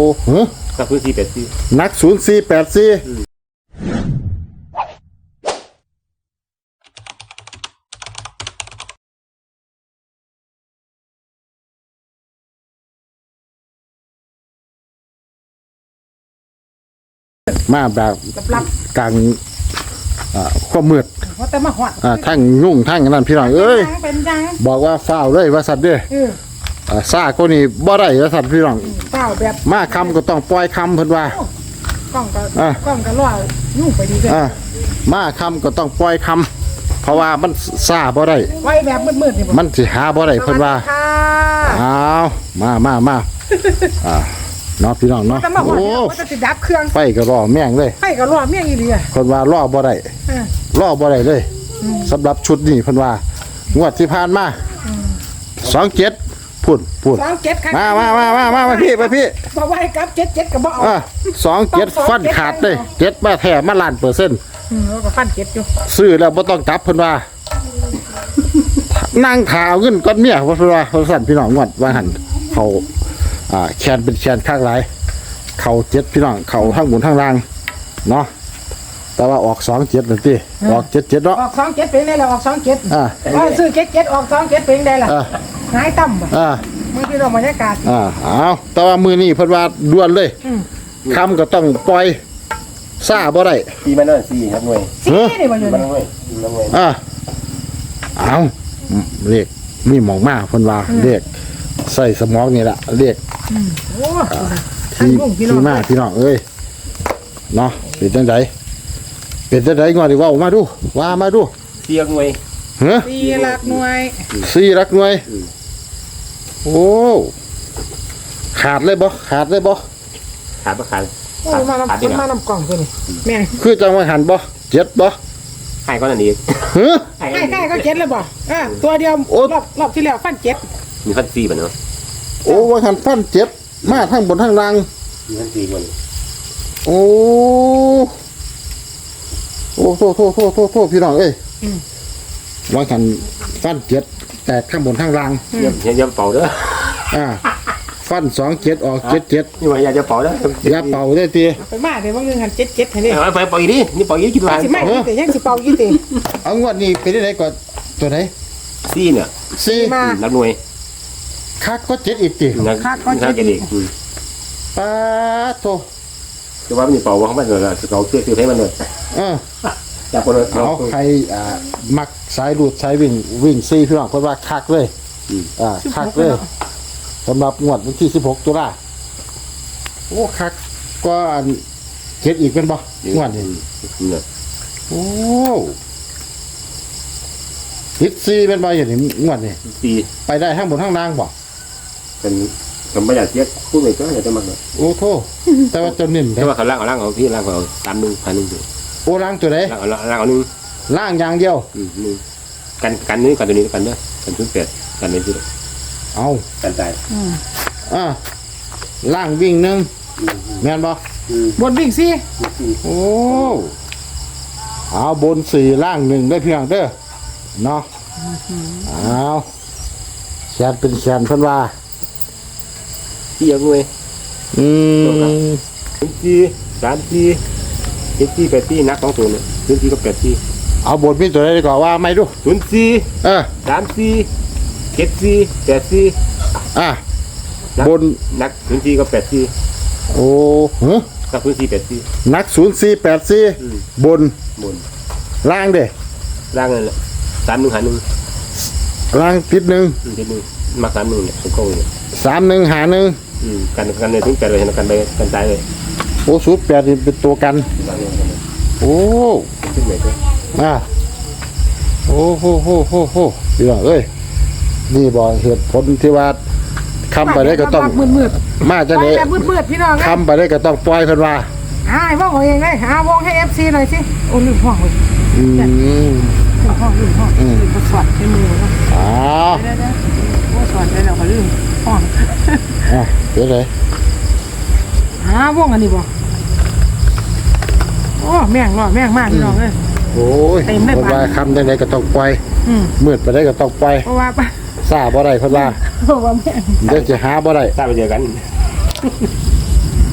หึกับพื้นที่84 นัก0484มาแบบกลางความมืดว่าแต่มาหอดทั้งยุ่งทั้งนั่นพี่น้องเอ้ยเป็นจังบอกว่าฝ้าวเลยว่าสัตว์เด้อซ่าก็นี่บ่ได้ว่าสัตว์พี่น้องเฝ้าแบบมาคำก็ต้องปล่อยคำเพิ่นว่ากล้องก็ล่อยุ่งไปดีเลยมาคำก็ต้องปล่อยคำเพราะว่ามันซ่าบ่ได้ไว้แบบมืดๆนี่มันสิหาบ่ได้เพิ่นว่าอ้าวมาเนาะพี่น้องเนาะโอ้จะติดดับเครื่องไฟก็รอแม่งเลยไฟก็รอแม่งอีหลีอ่ะเพิ่นว่ารอบ่ได้รอบ่ได้เลยสำหรับชุดนี้เพิ่นว่างวดที่ผ่านมา27พูด 27ครับมาพี่บอกว่าให้กลับ77ก็บ่เอา 27ฟันขาดเลย7มาแท้มาล้านเปอร์เซ็นต์แล้วก็ฟัน7อยู่ซื้อแล้วบ่ต้องกลับเพิ่นว่านั่งถาวเงินก้อนเมียเพิ่นว่าเพิ่นสั่นพี่น้องงวดว่าหั่นเขาแคนเป็นแคนข้างหลายเขา7พี่น้องเขาทั้งบนทั้งล่างเนาะแต่ว่าออก27นั่นติออก77เนาะออก27เป็นได้แล้วออก27ซื้อ77ออก27เป็นได้ล่ะหายต่ำมื้อที่เราบรรยากาศเอาแต่ว่ามื้อนี้เพิ่นว่าด่วนเลยคำก็ต้องปล่อยซ่าบ่ได้ 4มันนั่น4ครับหน่วย 4นี่บ่อยู่มันหน่วยเอาเลขมีหมองมาเพิ่นว่าเลขใส่สมองนี่ล่ะเลขโอ้ที่มาพี่น้องเอ้ยเนาะเป็นจังไดงอดิว่าออกมาดูว่ามาดู 4หน่วย 4หลักหน่วย 4หลักหน่วยโอ้ขาดเลยบ่ขาดโอ้มานำกล่องตัวนี้แม่งคือจังว่าหันบ่7บ่ให้ก่อนอันนี้ให้ก็7แล้วบ่ตัวเดียวรอบที่แล้วฟัน7 มีฟัน4บ่เนาะโอ้ว่าหันฟัน7มาทั้งบนทั้งล่างมีฟัน4บ่โอ้โทษพี่น้องเอ้ยว่าหันฟัน7แตกข้างบนทั้งล่างอย่าเป่าเด้อฟัน27ออก77 นี่ว่าอย่าเป่าเด้ออย่าเป่าได้ติไปมาเดี๋ยวว่าเงินหัน77ให้เด้ไปเป่าอีกดินี่เป่าอีกคิดว่าสิมาอีกแต่ยังสิเป่าอีกติเอางวดนี้เป็นได้ก่อนตัวไหน 4เนี่ย 4 นักหน่วยคักก็7อีกติคักก็7อีกป๊าโตคือว่ามันเป่าว่าเขาไม่เลยเราเชื่อให้มันเลยจากคนเอาใครมักสายหลุดสายวิ่ง4พี่น้องเพิ่นว่าคักเลยคักเลยสำหรับงวดวันที่16ตุลาโอ้คักก็7อีกเป็นบ่งวดนี้โอ้ฮิต4เป็นบ่อย่างนี้งวดนี้ไปได้ทั้งบนทั้งล่างบ่เป็นผมไม่อยากเช็คคู่เลยก็อยากจะมาเลยโอ้โธ่แต่ว่าจนนิ่มแต่ว่าเขาล่างเอาพี่ล่างเอา3,100อยู่โอ้ล่างตัวไหนล่างเอา1 ล่างอย่างเดียวกันนี้กันตัวนี้กันเด้อกันชุด8กันนี้ชุดเอากันตายล่างวิ่ง1แม่นบ่บนวิ่ง 4โอ้เอาบน4ล่าง1ได้เพียงเด้อเนาะเอาแขนเป็นแขนเพิ่นว่า 4หน่วย4 8นัก2ตัวเนี่ย4กับ8 เอาบทมีตัวใดก่อนว่าไม่ดู 04 34 74 84 บนนัก04กับ84 โอ้นัก04 84 นัก04 84บนล่างเด้ล่างนั่นแหละ31 ล่างติด1 มา31เนี่ยตรงๆเนี่ย 31 หา1 กันเลยถึง8เลยกันไปกันตายเลยโอ้08นี่เป็นตัวกันโอ้ขึ้นไหนก็โอ้โหพี่น้องเอ้ยนี่บ่เหตุผลที่ว่าคำไปได้ก็ต้องมืดมาจังได๋มืดพี่น้องคำไปได้ก็ต้องปล่อยเพิ่นว่าว่องเองเลยวงให้ FC หน่อยสิโอ้ลืมห้องเลยห้องบ่สอดในมือเนาะบ่สอดได้แล้วก็ลืมห้องเดี๋ยวเลยว่องอันนี้บ่โอ้แม่งมากพี่น้องเอ้ยโอ้ยเพิ่นว่าคำจังได๋ก็ต้องปล่อยมืดไปได้ก็ต้องปล่อยเพราะว่าซ่าบ่ได้เพิ่นว่าแม่งเดี๋ยวจะหาบ่ได้ซ่าไปเจอกัน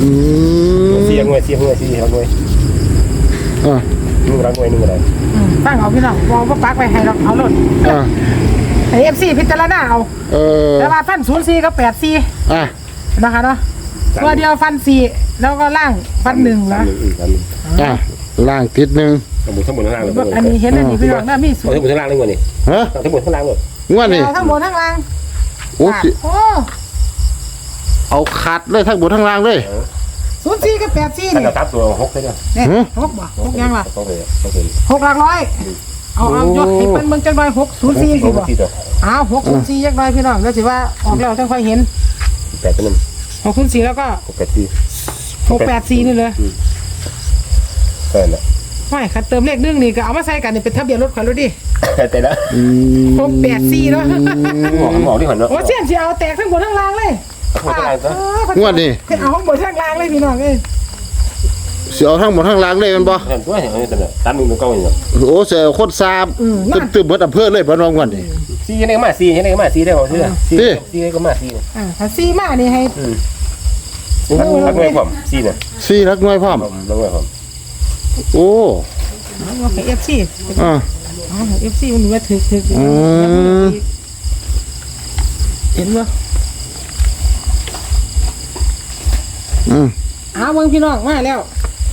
เสียงหน่วย4รักหน่วยอ่า 1รักหน่วย1อะไรตั้งเอาพี่น้องวางปักไปให้เราเอาหล่นอ่าไอFC พิจารณาเอา แต่ว่าฟัน04กับ84 อ่านะคะเนาะตัวเดียวฟัน4แล้วก็ล่างฟัน1นะอ่าล่างติดหนึ่งทั้งบนทั้งล่างเลยอันนี้เห็นอันนี้พี่น้องนะมีศูนทั้ย์งบนทั้งล่างเลยวันนี้ฮะทั้งบนทั้งล่างเลยงวดนี่ทั้งบนทั้งล่างโอ้สิโอ้เอาขัดเลยทั้งบนทั้งล่างเลย 04กับ84 ถ้านี่เราทับตัว6เลยนะเนี่ยฮะ 6บ่6ยังล่ะต้องเลย 6หลักร้อยเอายกให้มันเบิ่งจังหน่อย604สิบ่ตัวอ้าว604จักหน่อยพี่น้องแล้วสิว่าออกแล้วจังค่อยเห็น 8ตัวนึง 604แล้วก็ 684นี่เลยแค่นั้นไม่คันเติมเลข1นี่ก็เอามาใส่กันนี่เป็นทะเบียนรถข่อยรถดิแต่ละ 684เนาะหมอที่หันเนาะโอ้เสียนสิเอาแตกทั้งบนทั้งล่างเลยงวดนี่คือเอาข้างบนข้างล่างเลยพี่น้องเอ้ยเสียเอาทั้งบนทั้งล่างเลยแมันบ่เห็นตัวเห็นนี่แต่ละตาม1 9อย่างโอ้เสียโคตรซาบตึมๆเบิดอำเภอเลยบ่น้องงวดนี่ 4ยังไงมา4ยังไงมา4ได้บ่เชื่อ4ก็มา4 ถ้าซีมานี่ให้รักหน่วยผม4น่ะ 4รักน้อยพร้อมรักหน่วยผมโอ้เอาให้ FC อ่าเอาให้ FC มันว่าถึกเห็นบ่ เอาเบิ่งพี่น้องมาแล้ว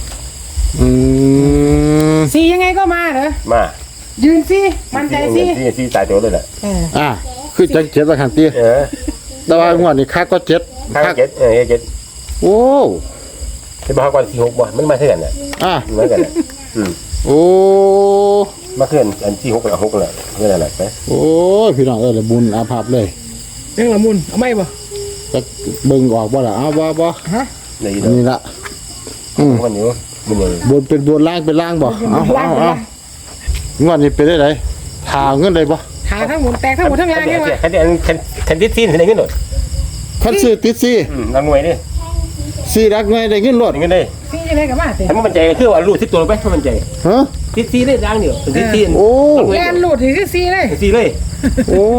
ซียังไงก็มาเหรอมายืนซีมันใจซี 4ตายตัวเลยแหละอ่าคือจังเจ็ดว่าคันตีแต่ว่างวดนี้คักก็เจ็ดข้าง7 โอ้ที่บ้านก่อน46บ่มันมาเท่ากันน่ะอ่าเหมือนกันน่ะโอ้มาเคลื่อนอันที่6กับ6แหละเพื่อนอะไรไปโอ้ยพี่น้องเลยบุญอาภัพเลยยังละมุนเอาไหมบ่จะเบิ่งออกบ่ล่ะเอาบ่ฮะในอันนี้ละมันอยู่มันอยู่บนเป็นบนล่างเป็นล่างบ่เอางวดนี้เป็นได้ไหนทาเงินได้บ่หาทั้งหมดแตกทั้งหมดทั้งล่างยังวะคันที่ซีนได้เงินหมดคันซื้อติดซี่นางหน่วยดิซี่รักน้อยได้เงินรถเงินได้ซียังไงก็มาเตะถ้ามันใจคือว่ารูด10ตัวไปถ้ามันใจฮะติดซีได้ดังเดียวติดซีโอ้แลนหลุดนี่คือซีเลยซีเลยโอ้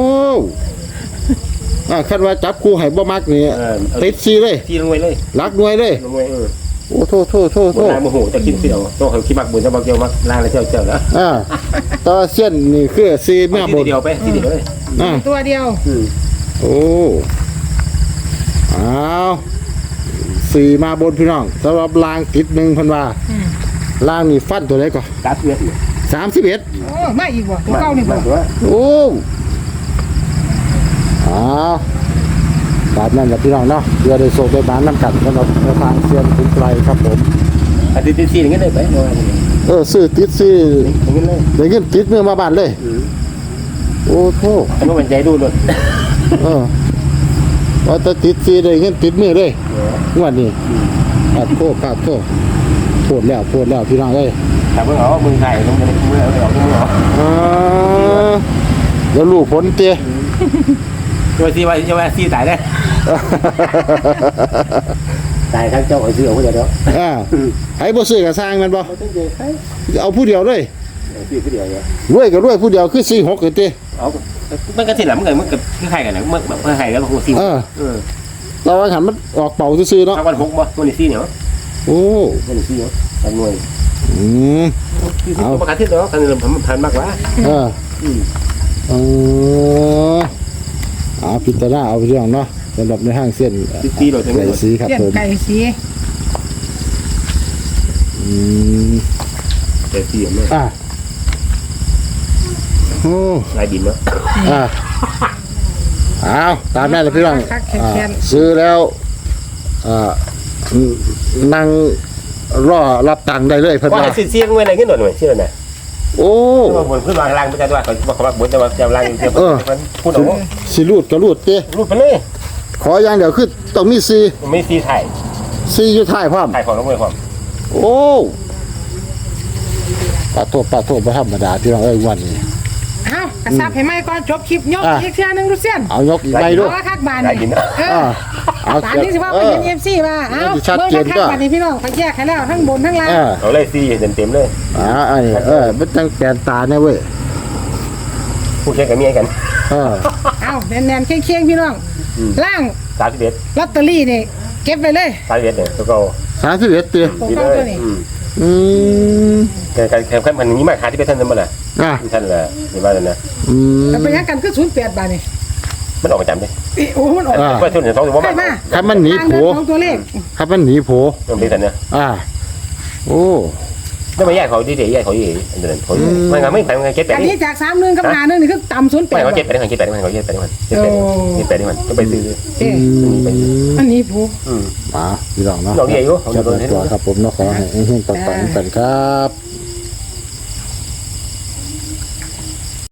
คันว่าจับคู่ให้บ่มักนี่ติดซี่เลยซีลงไว้เลยรักน้อยเลยลงไว้โอ้โทษลางโมโหจะกินเสียวต้องเขาคิดมักบุญจะบักเดียวมักลางแล้วเจ้าแล้วตอเส้นนี่คือซี่แม่บนเดียวไปซีเดียวเลยตัวเดียวโอ้เอาสี่มาบนพี่น้องสำหรับลางติดหนึ่งพันว่าลางนี่ฟันตัวไหนก่อนกัดเวียด 31 โอ้มาอีกบ่ตัวเก่านี่บ่ตัวโอ้เอาตามนั้นแหละพี่น้องเนาะเพื่อได้โชคได้บ้านน้ำกันสำหรับทางเซียนคุณไกลครับผมอันติดซีอย่างเงี้ยได้ไปซื้อติดซี่อย่างเงี้ยเลยได้เงินติดเมื่อมาบ้านเลย โอ้โหอันนู้นมันใจดูด้วยว่าจะติดซี่ได้เงินติดมือเลยงวดนี้ขาดโทษโทษแล้วพี่น้องเอ้ยแต่เมื่อเอามือไทยต้องเป็นมือเอามือเอาเดี๋ยวลูกผลเตี้ยตัวซีว่าจะว่าซีตายได้ตายทั้งเจ้าไอ้ซื้อเอาผู้เดียวให้บ่ซื้อกับสร้างมันบ่เอาผู้เดียวเลยซื้อผู้เดียวเนี่ยรวยก็รวยผู้เดียวคือ46คือติเอามันก็สิหลังมันกับคือใครกันนะมันใครกันหัวซีเราว่าหันมันออกเป่าซื่อๆเนาะเอาวัน6บ่วันนี้ซีเหนียวโอ้วันนี้ซีเหนียวทำหน่วยเอาประกาศที่แล้วกันผมผ่านมากกว่าพิจารณาเอาเรื่องเนาะสำหรับในห้างเส้นซีโดยทั้งหมไก่ดสีครับเสียนผมไก่สีแต่ซีเหมือนโอ้ลายดินเนาะเอาตามนั้นเลยพี่น้องคักแข็งซื้อแล้วนั่งรอรับตังค์ได้เลยเพิ่นว่าว่าซีเงินอะไรขึ้นหน่อยซีอะไรโอ้บนขึ้นมาล่างไม่ใช่ด้วยเขาบอกบนจะมาจะล่างจะพูดเอาสิรูดก็รูดเต้รูดไปเลยขออย่างเดียวคือต้องมีซีไม่ซีถ่ายซีอยู่ท้ายพร้อมถ่ายของน้องเมย์ความโอ้ปาโทษบ่ธรรมดาพี่น้องเอ้ยวันนี้เอากระซับให้ไหมก่อนจบคลิปยกอีกเที่ยนึงดูเสียนเอายกอีกใบด้วยเอาคักบานลายดินี่นเอาบานนี้สิว่าไปเห็น FC มาเอาชัดเบิ่งเจนคักก็บานนี้พี่น้องไปแยกให้แล้วทั้งบนทั้งล่างเอาเลยซีเต็มเลยมันจังแปลนตาเนี่ยเว้ยผู้เชี่ยวกับเมียกันเอาแน่นๆเคียงๆพี่น้องล่าง 31 ลอตเตอรี่นี่เก็บไปเลยสายเวทเนี่ยตัวเก่า 31ตีตัวเก่าตัวนี้อืมการแข่งขันมันนี้มาขาที่ไปท่านนั่นมาแหละอ่ะท่านแหละนี่ว่าเลยนะอืมแล้วไปยังกันคือ08บาทนี่มันออกประจำเลยโอ้มันออกว่าทุนเนี่ย2ตัวใช่ว่ามาครับมันหนีทางโผเดินของตัวเลขครับมันหนีโผมันเป็นท่านเนี่ยโอ้ไม่มาแยกเขาดีๆแยกเขาดีอันเดินเขาไม่งั้นไม่แข่งเก็บไปอันนี่นี้จาก31กับ51นี่คือต่ำ08 ไม่เขาบาทเก็บไปได้มันเก็บไปได้มันเขาเก็บไปได้มันเก็บไปได้มันก็ไปซื้อเอ๊ะอันนี้ผู้มาพี่น้องเนาะดอกเดียวอยู่จับตัวครับผมเนาะขอให้เฮงๆปังๆกันครับ